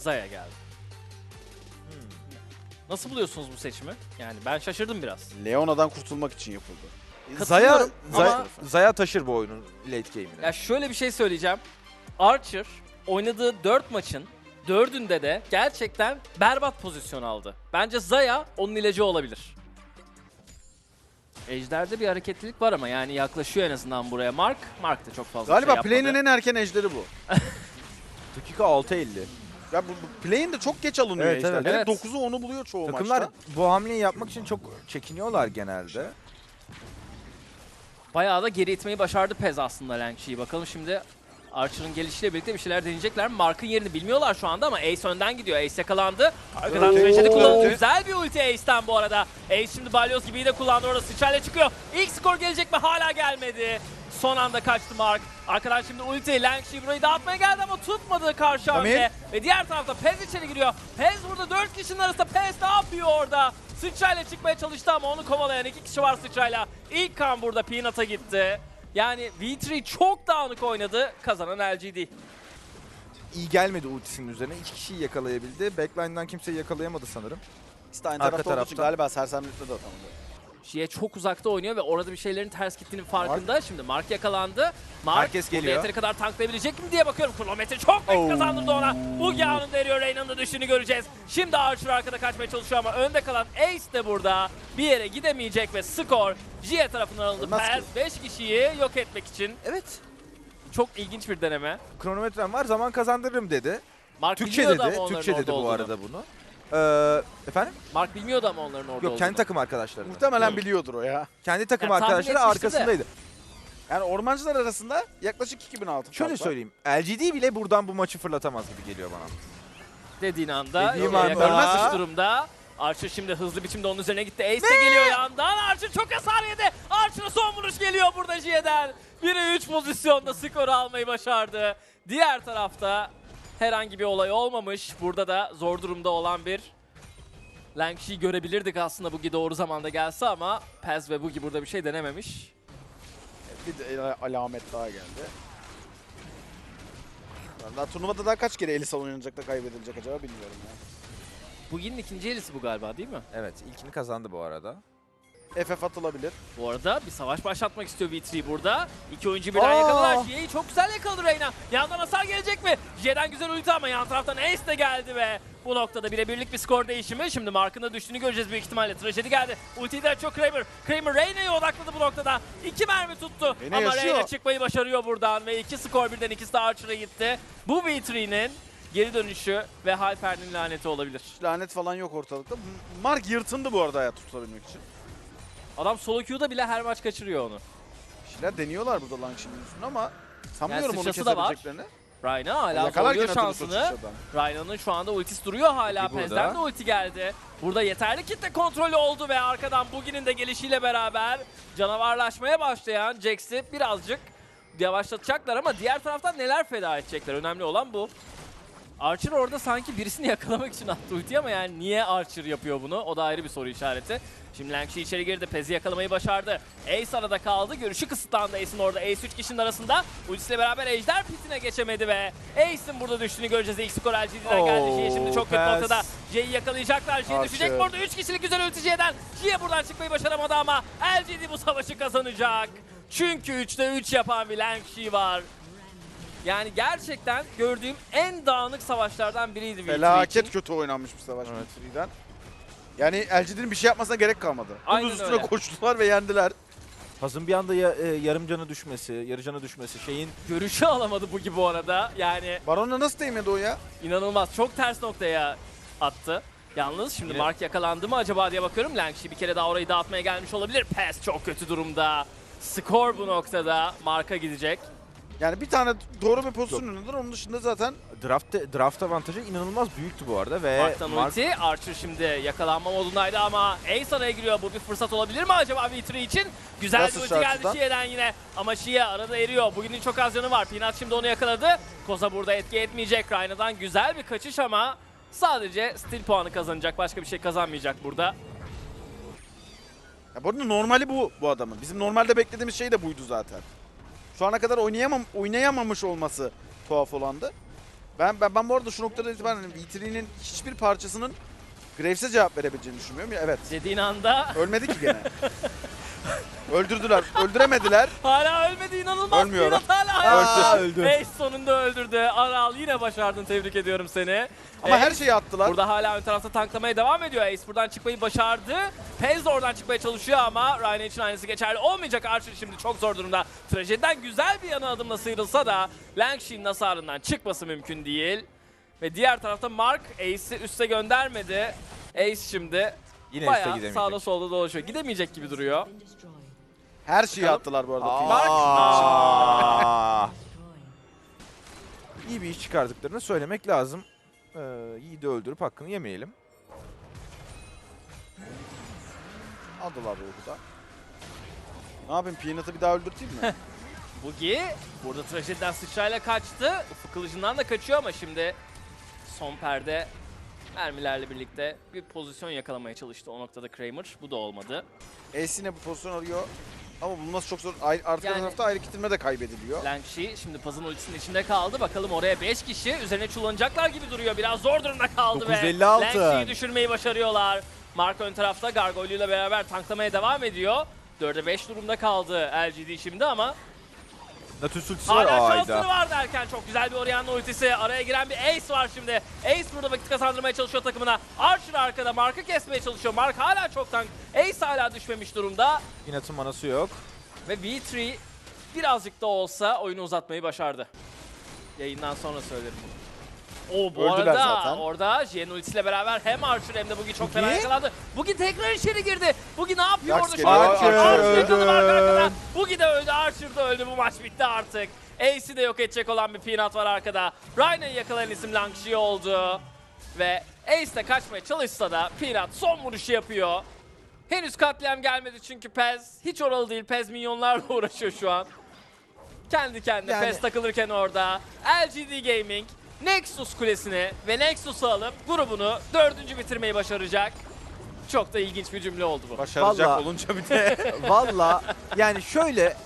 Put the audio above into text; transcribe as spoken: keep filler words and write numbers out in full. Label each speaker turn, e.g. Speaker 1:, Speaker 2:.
Speaker 1: Xayah geldi. Hmm. Nasıl buluyorsunuz bu seçimi? Yani ben şaşırdım biraz.
Speaker 2: Leona'dan kurtulmak için yapıldı.
Speaker 3: Zaya,
Speaker 1: Katılıyorum
Speaker 3: Zaya,
Speaker 1: ama-
Speaker 3: Zaya taşır bu oyunun late game'ine.
Speaker 1: Ya şöyle bir şey söyleyeceğim. Archer oynadığı dört maçın dördünde de gerçekten berbat pozisyon aldı. Bence Xayah onun ilacı olabilir. Ejder'de bir hareketlilik var ama yani yaklaşıyor en azından buraya Mark. Mark da çok fazla
Speaker 2: Galiba
Speaker 1: şey yapmadı.
Speaker 2: play'in en erken ejderi bu.
Speaker 3: Dakika altı elli.
Speaker 2: Ya bu, bu play'in de çok geç alınıyor
Speaker 3: Evet,
Speaker 2: ejderler.
Speaker 1: evet.
Speaker 2: dokuzu onu buluyor çoğu
Speaker 3: Takımlar
Speaker 2: maçta.
Speaker 3: bu hamleyi yapmak için çok çekiniyorlar genelde.
Speaker 1: Bayağı da geri itmeyi başardı Pez aslında Langshi'yi. Bakalım şimdi Archer'ın gelişiyle birlikte bir şeyler deneyecekler mi? Mark'ın yerini bilmiyorlar şu anda ama Ace önden gidiyor. Ace yakalandı. Arkadan
Speaker 2: Oo.
Speaker 1: Tragedy kullanıldı.
Speaker 2: Ulti.
Speaker 1: Güzel bir ulti Ace'den bu arada. Ace şimdi balyoz gibi de kullandı orada. Sıçrayla çıkıyor. İlk skor gelecek mi? Hala gelmedi. Son anda kaçtı Mark. Arkadan şimdi ulti. Langshi burayı dağıtmaya geldi ama tutmadı karşı hamle. Ve diğer tarafta Pez içeri giriyor. Pez burada dört kişinin arasında. Pez ne yapıyor orada? Sıçrayla çıkmaya çalıştı ama onu kovalayan iki kişi var sıçrayla. İlk kan burada Peanut'a gitti. Yani V üç çok dağınık oynadı. Kazanan L G D.
Speaker 3: İyi gelmedi ultisinin üzerine. İki kişiyi yakalayabildi. Backline'dan kimseyi yakalayamadı sanırım.
Speaker 2: İşte aynı
Speaker 3: Arka
Speaker 2: tarafta olduğu için
Speaker 3: tarafta.
Speaker 2: galiba sersemlikte de atamadı.
Speaker 1: Şiye çok uzakta oynuyor ve orada bir şeylerin ters gittiğinin farkında. Şimdi Mark yakalandı. Mark
Speaker 3: Herkes
Speaker 1: burada
Speaker 3: geliyor.
Speaker 1: yeteri kadar tanklayabilecek mi diye bakıyorum. Kronometre çok net
Speaker 3: Oh.
Speaker 1: kazandırdı ona. Bugi anında eriyor. Reyna'nın da düştüğünü göreceğiz. Şimdi Archer arkada kaçmaya çalışıyor ama önde kalan Ace de burada bir yere gidemeyecek ve skor Jie tarafından alındı.
Speaker 2: Ölmez
Speaker 1: Pez beş kişiyi yok etmek için.
Speaker 3: Evet.
Speaker 1: Çok ilginç bir deneme.
Speaker 3: Kronometrem var, zaman kazandırırım dedi.
Speaker 1: Mark
Speaker 3: Türkçe
Speaker 1: bilmiyordu
Speaker 3: dedi.
Speaker 1: ama onların
Speaker 3: Türkçe
Speaker 1: orada
Speaker 3: dedi bu
Speaker 1: olduğunu.
Speaker 3: arada bunu. Ee, efendim?
Speaker 1: Mark bilmiyordu ama onların orada
Speaker 3: Yok,
Speaker 1: olduğunu.
Speaker 3: kendi takım arkadaşları.
Speaker 2: Muhtemelen biliyordur o ya.
Speaker 3: Kendi takım
Speaker 1: Ya, tahmin
Speaker 3: arkadaşları
Speaker 1: etmişti de.
Speaker 3: arkasındaydı.
Speaker 2: Yani ormancılar arasında yaklaşık iki bin altı.
Speaker 3: Şöyle
Speaker 2: fark var.
Speaker 3: söyleyeyim. L G D bile buradan bu maçı fırlatamaz gibi geliyor bana.
Speaker 1: Dediğin anda
Speaker 3: Dediğim
Speaker 1: Jie
Speaker 3: anda.
Speaker 1: yakalanmış durumda. Archer şimdi hızlı biçimde onun üzerine gitti. Ace de geliyor yandan. Archer çok hasar yedi. Archer'a son vuruş geliyor burada Jie'den. bire üç pozisyonda skoru almayı başardı. Diğer tarafta herhangi bir olay olmamış. Burada da zor durumda olan bir Langshi'yi görebilirdik aslında Bugi doğru zamanda gelse ama Pez ve Bugi burada bir şey denememiş.
Speaker 2: Bir de alamet daha geldi. Daha turnuvada daha kaç kere Elisa oynanacak da kaybedilecek acaba bilmiyorum ya.
Speaker 1: Bugi'nin ikinci elisi bu galiba değil mi?
Speaker 3: Evet, ilkini kazandı bu arada.
Speaker 2: F F atılabilir.
Speaker 1: Bu arada bir savaş başlatmak istiyor V üç burada. İki oyuncu birden
Speaker 3: Aa!
Speaker 1: yakaladılar. Jie'yi çok güzel yakaladı Reyna. Yandan hasar gelecek mi? Jie'den güzel ulti ama yan taraftan Ace de geldi ve bu noktada birebirlik bir skor değişimi. Şimdi Mark'ın da düştüğünü göreceğiz büyük ihtimalle. Trajedi geldi. Ultiyi de çok Kramer. Kramer Reyna'ya odakladı bu noktada. İki mermi tuttu.
Speaker 2: Reyna
Speaker 1: ama
Speaker 2: yaşıyor.
Speaker 1: Reyna çıkmayı başarıyor buradan ve iki skor birden ikisi de Archer'a gitti. Bu V üç'nin geri dönüşü ve Halfer'in laneti olabilir.
Speaker 2: Lanet falan yok ortalıkta. Mark yırtındı bu arada hayat tutabilmek için.
Speaker 1: Adam solo queue'da bile her maç kaçırıyor onu.
Speaker 2: Bir şeyler deniyorlar burada Langshi'nin üstüne ama sanmıyorum
Speaker 1: Yani
Speaker 2: onu
Speaker 1: sıçrası da var.
Speaker 2: kesebileceklerini.
Speaker 1: Reyna hala
Speaker 2: Yakalarken
Speaker 1: zorluyor
Speaker 2: atılır
Speaker 1: şansını.
Speaker 2: sıçradan.
Speaker 1: Ryan'ın şu anda ultisi duruyor hala.
Speaker 3: Ulti burada.
Speaker 1: Pez'den de ulti geldi. Burada yeterli kitle kontrolü oldu ve arkadan Bugi'nin de gelişiyle beraber canavarlaşmaya başlayan Jax'i birazcık yavaşlatacaklar ama diğer taraftan neler feda edecekler? Önemli olan bu. Archer orada sanki birisini yakalamak için attı ulti ama yani niye Archer yapıyor bunu? O da ayrı bir soru işareti. Şimdi Langshi içeri girdi. Pez'i yakalamayı başardı. Ace arada kaldı. Görüşü kısıtlandı Ace'in orada. Ace üç kişinin arasında. Ultisiyle beraber Ejder pitine geçemedi ve Ace'in burada düştüğünü göreceğiz. İlk skor L G D'den geldi.
Speaker 3: Oo,
Speaker 1: Jie şimdi çok kötü
Speaker 3: Pez.
Speaker 1: noktada. Jie'yi yakalayacaklar. Jie
Speaker 2: Archer.
Speaker 1: düşecek burada. üç kişilik güzel ulti Jie'den. Jie buradan çıkmayı başaramadı ama L G D bu savaşı kazanacak. Çünkü üçte üç yapan bir Langshi var. Yani gerçekten gördüğüm en dağınık savaşlardan biriydi V üç
Speaker 2: Felaket
Speaker 1: için.
Speaker 2: kötü oynanmış bir savaş
Speaker 3: Evet.
Speaker 2: V üç'den. Yani L G D'nin bir şey yapmasına gerek kalmadı. Bunun
Speaker 1: Aynen
Speaker 2: üstüne
Speaker 1: öyle.
Speaker 2: koştular ve yendiler.
Speaker 3: Hazın bir anda ya, e, yarım canı düşmesi, yarı canı düşmesi şeyin
Speaker 1: Görüşü alamadı bu gibi bu arada. Yani
Speaker 2: Baron'la nasıl değmedi o ya?
Speaker 1: İnanılmaz. Çok ters noktaya attı. Yalnız şimdi
Speaker 3: Yine-
Speaker 1: Mark yakalandı mı acaba diye bakıyorum. Langshi bir kere daha orayı dağıtmaya gelmiş olabilir. Pes çok kötü durumda. Skor bu noktada Mark'a gidecek.
Speaker 2: Yani bir tane doğru bir pozisyon önündedir. Onun dışında zaten
Speaker 3: draft draft avantajı inanılmaz büyüktü bu arada ve
Speaker 1: Mark'tan
Speaker 3: Mark-
Speaker 1: ulti. Archer şimdi yakalanma modundaydı ama Ace araya giriyor. Bu bir fırsat olabilir mi acaba V üç için? Güzel
Speaker 2: Nasıl
Speaker 1: bir ulti geldi
Speaker 2: şartından?
Speaker 1: Shie'den yine. Ama Shie arada eriyor. Bugünün çok az canı var. Peanut şimdi onu yakaladı. Koza burada etki etmeyecek. Ryan'dan güzel bir kaçış ama sadece steal puanı kazanacak. Başka bir şey kazanmayacak burada.
Speaker 2: ya bu arada normali bu bu adamın. Bizim normalde beklediğimiz şey de buydu zaten. Şu ana kadar oynayamam oynayamamış olması tuhaf olandı. Ben, ben, ben bu arada şu noktada itibaren hani V üç'nin hiçbir parçasının Graves'e cevap verebileceğini düşünmüyorum. Ya, evet.
Speaker 1: Dediğin anda
Speaker 2: Ölmedi ki gene. Öldürdüler. Öldüremediler.
Speaker 1: hala ölmedi, inanılmaz.
Speaker 2: Ölmüyorum.
Speaker 1: Peanut hala
Speaker 3: Aa,
Speaker 1: hayatta.
Speaker 3: öldü.
Speaker 1: Ace sonunda öldürdü. Aral yine başardın, tebrik ediyorum seni.
Speaker 2: Ama
Speaker 1: Ace
Speaker 2: her şeyi attılar.
Speaker 1: burada hala ön tarafta tanklamaya devam ediyor. Ace buradan çıkmayı başardı. Pez de oradan çıkmaya çalışıyor ama Ryan için aynısı geçerli olmayacak. Archer şimdi çok zor durumda. Trajediden güzel bir yana adımla sıyrılsa da Langshin'in hasarından çıkması mümkün değil. Ve diğer tarafta Mark Ace'i üste göndermedi. Ace şimdi
Speaker 3: Yine üste
Speaker 1: bayağı
Speaker 3: gidemeyecek.
Speaker 1: sağda solda dolaşıyor. Gidemeyecek gibi duruyor.
Speaker 2: Her şeyi
Speaker 1: Bakalım.
Speaker 2: attılar bu arada.
Speaker 1: Mark-
Speaker 3: Aa. İyi bir iş çıkardıklarını söylemek lazım. Ee, Yiğit'i öldürüp hakkını yemeyelim.
Speaker 2: Aldılar ruhu da. Ne yapayım? Peanut'ı bir daha öldürteyim mi?
Speaker 1: Bugi burada trajediden sıçrayla kaçtı. Ufuk kılıcından da kaçıyor ama şimdi son perde mermilerle birlikte bir pozisyon yakalamaya çalıştı o noktada Kramer. Bu da olmadı.
Speaker 2: Ace yine bu pozisyon arıyor. Ama bulması çok zor. Ayrı, arka
Speaker 1: Yani-
Speaker 2: tarafta ayrı kitilme de kaybediliyor.
Speaker 1: Langshi şimdi Paz'ın ultisinin içinde kaldı. Bakalım oraya beş kişi üzerine çullanacaklar gibi duruyor. Biraz zor durumda kaldı
Speaker 3: dokuz
Speaker 1: ve
Speaker 3: elli altı.
Speaker 1: Langshi'yi düşürmeyi başarıyorlar. Mark ön tarafta Gargoyle ile beraber tanklamaya devam ediyor. dörde beş durumda kaldı L G D şimdi ama
Speaker 3: Nautilus ultisi var.
Speaker 1: hala
Speaker 3: Ayda.
Speaker 1: şansları var derken çok güzel bir Orianna ultisi. Araya giren bir Ace var şimdi. Ace burada vakit kazandırmaya çalışıyor takımına. Archer arkada Mark'ı kesmeye çalışıyor. Mark hala çok tank. Ace hala düşmemiş durumda.
Speaker 3: Peanut'ın manası yok.
Speaker 1: Ve V üç birazcık da olsa oyunu uzatmayı başardı. Yayından sonra söylerim bunu. Oo, bu
Speaker 2: Öldüler
Speaker 1: arada
Speaker 2: zaten.
Speaker 1: orada Jhin ultisiyle beraber hem Archer hem de Bugi çok fena
Speaker 3: Bugi?
Speaker 1: yakalandı. Bugi tekrar içeri girdi. Bugi ne yapıyor
Speaker 2: Jax
Speaker 1: orada?
Speaker 2: geliyor.
Speaker 1: Şu an?
Speaker 3: Archer
Speaker 1: Archer'ın canı var
Speaker 3: öldü.
Speaker 1: arkada. Bugi de öldü, Archer da öldü. Bu maç bitti artık. Ace'i de yok edecek olan bir Peanut var arkada. Ryan'ı yakalayan isim Langshi oldu. Ve Ace de kaçmaya çalışsa da Peanut son vuruşu yapıyor. Henüz katliam gelmedi çünkü Pez hiç oralı değil. Pez minyonlarla uğraşıyor şu an. Kendi kendine
Speaker 3: Yani-
Speaker 1: Pez takılırken orada L G D Gaming Nexus kulesini ve Nexus'u alıp grubunu dördüncü bitirmeyi başaracak. Çok da ilginç bir cümle oldu bu.
Speaker 2: Başaracak
Speaker 3: Vallahi-
Speaker 2: olunca bir de.
Speaker 3: Valla yani şöyle